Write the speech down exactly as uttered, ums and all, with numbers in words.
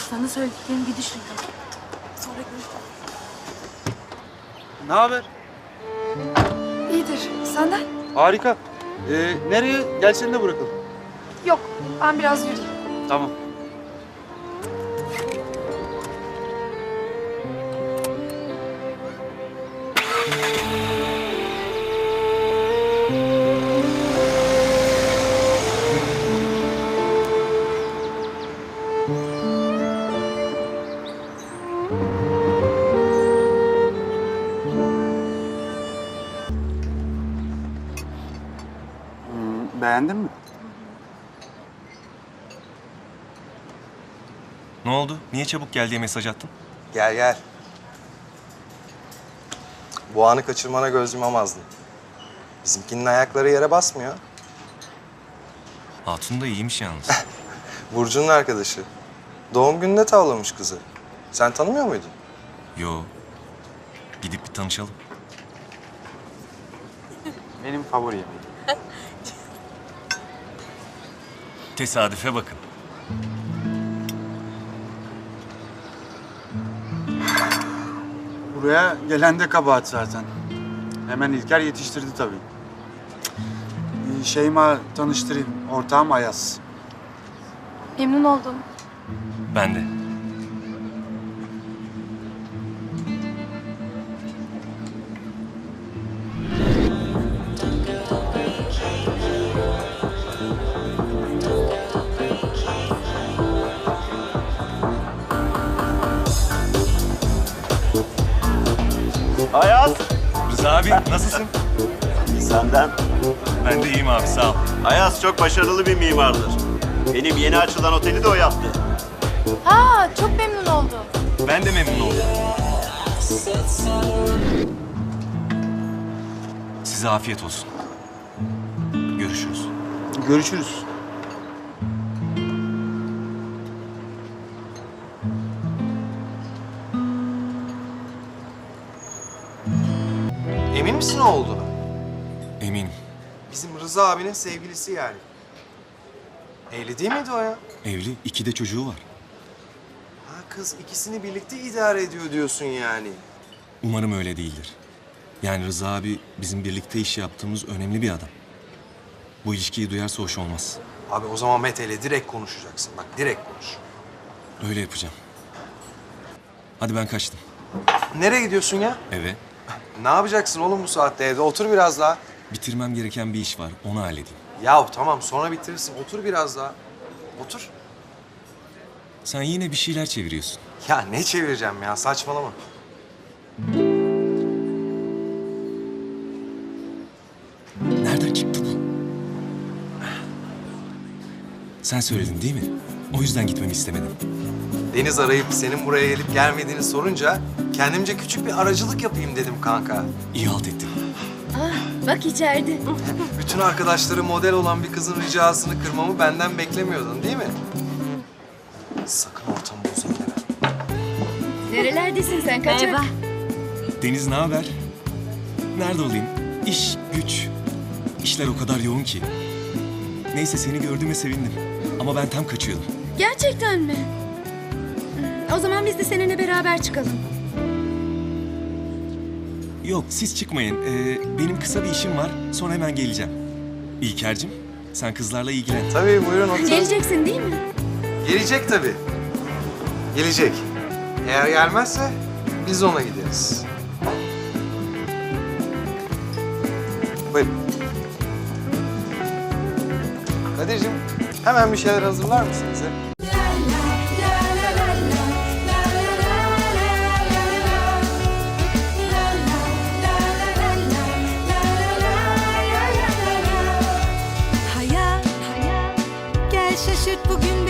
Sana söylediklerimi bir düşün tamam. Sonra görüşürüz. Ne haber? İyidir. Senden? Harika. Ee, nereye? Gel seni de bırakalım. Yok. Ben biraz yürüyeyim. Tamam. Hmm, beğendin mi? Ne oldu? Niye çabuk gel diye mesaj attın? Gel gel. Bu anı kaçırmana göz yumamazdım. Bizimkinin ayakları yere basmıyor. Hatun da iyiymiş yalnız. Burcu'nun arkadaşı. Doğum gününde tavlamış kızı. Sen tanımıyor muydun? Yo. Gidip bir tanışalım. Benim favori yemeğim. Tesadüfe bakın. Buraya gelen de kabahat zaten. Hemen İlker yetiştirdi tabii. Ee, Şeyma tanıştırayım. Ortağım Ayaz. Memnun oldum. Ben de. Ayaz, Rıza abi nasılsın? senden. Ben de iyiyim abi sağ ol. Ayaz çok başarılı bir mimardır. Benim yeni açılan oteli de o yaptı. Ha, çok memnun oldum. Ben de memnun oldum. Size afiyet olsun. Görüşürüz. Görüşürüz. Emin misin o olduğunu? Eminim. Bizim Rıza abinin sevgilisi yani. Evli değil miydi o ya? Evli, iki de çocuğu var. Ha kız ikisini birlikte idare ediyor diyorsun yani. Umarım öyle değildir. Yani Rıza abi bizim birlikte iş yaptığımız önemli bir adam. Bu ilişkiyi duyarsa hoş olmaz. Abi o zaman Mete ile direkt konuşacaksın. Bak direkt konuş. Öyle yapacağım. Hadi ben kaçtım. Nereye gidiyorsun ya? Eve. Ne yapacaksın oğlum bu saatte evde? Otur biraz daha. Bitirmem gereken bir iş var. Onu halledeyim. Ya tamam sonra bitirirsin. Otur biraz daha. Otur. Sen yine bir şeyler çeviriyorsun. Ya ne çevireceğim ya saçmalama. Nereden çıktı bu? Sen söyledin değil mi? O yüzden gitmemi istemedin. Deniz arayıp senin buraya gelip gelmediğini sorunca kendimce küçük bir aracılık yapayım dedim kanka. İyi halt ettin. Bak içeride. Bütün arkadaşları model olan bir kızın ricasını kırmamı benden beklemiyordun değil mi? Sakın ortamı bozayım deme. Nerelerdesin sen kaçak? Merhaba. Deniz ne haber? Nerede olayım? İş, güç. İşler o kadar yoğun ki. Neyse seni gördüğüme sevindim. Ama ben tam kaçıyordum. Gerçekten mi? O zaman biz de seninle beraber çıkalım. Yok siz çıkmayın. Ee, benim kısa bir işim var. Sonra hemen geleceğim. İlker'cim sen kızlarla ilgilen. Tabii buyurun oturun. Geleceksin değil mi? Gelecek tabii. Gelecek. Eğer gelmezse biz ona gideriz. Buyurun. Kadir'cim hemen bir şeyler hazırlar mısın bize? Hayat, gel şaşırt bugün